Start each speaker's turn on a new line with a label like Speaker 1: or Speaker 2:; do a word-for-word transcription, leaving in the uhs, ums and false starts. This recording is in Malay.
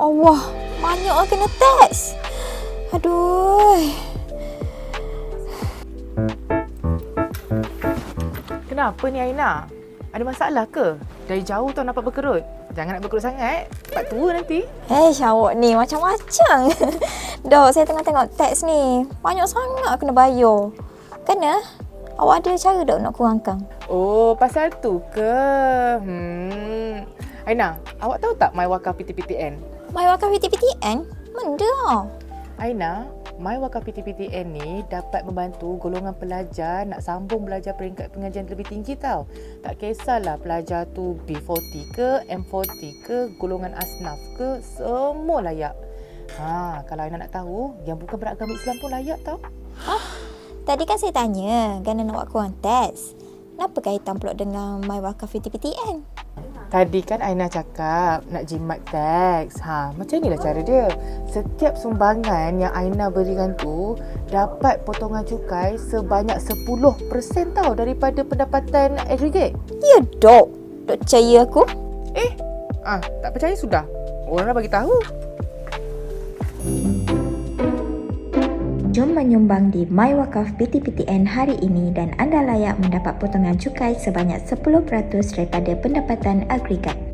Speaker 1: Allah, banyaklah kena teks. Aduh.
Speaker 2: Kenapa ni Aina? Ada masalah ke? Dari jauh tau nampak berkerut. Jangan nak berkerut sangat. Cepat tua nanti.
Speaker 1: Eh, awak ni macam-macam. Dok, saya tengah tengok teks ni. Banyak sangat kena bayar. Kena? Awak ada cara tak nak kurangkan?
Speaker 2: Oh, pasal tu ke? Hmm. Aina, awak tahu tak My Wakaf P T P T N?
Speaker 1: My Wakaf P T P T N? Benda.
Speaker 2: Aina, My Wakaf P T P T N ni dapat membantu golongan pelajar nak sambung belajar peringkat pengajian lebih tinggi tau. Tak kisahlah pelajar tu B empat puluh ke, M empat puluh ke, golongan asnaf ke, semua layak. Ha, kalau Aina nak tahu, yang bukan beragama Islam pun layak tau.
Speaker 1: Hah? Tadi kan saya tanya, kerana nak buat kurang teks. Kenapa kaitan pula dengan My Wakaf P T P T N?
Speaker 2: Tadi kan Aina cakap nak jimat teks. Ha, macam inilah cara dia. Setiap sumbangan yang Aina berikan tu dapat potongan cukai sebanyak sepuluh peratus tau daripada pendapatan aggregate.
Speaker 1: Ya, Dok. Dok percaya aku?
Speaker 2: Eh, ah, tak percaya sudah. Orang dah bagi tahu.
Speaker 1: Jom menyumbang di My Wakaf P T P T N hari ini dan anda layak mendapat potongan cukai sebanyak sepuluh peratus daripada pendapatan agregat.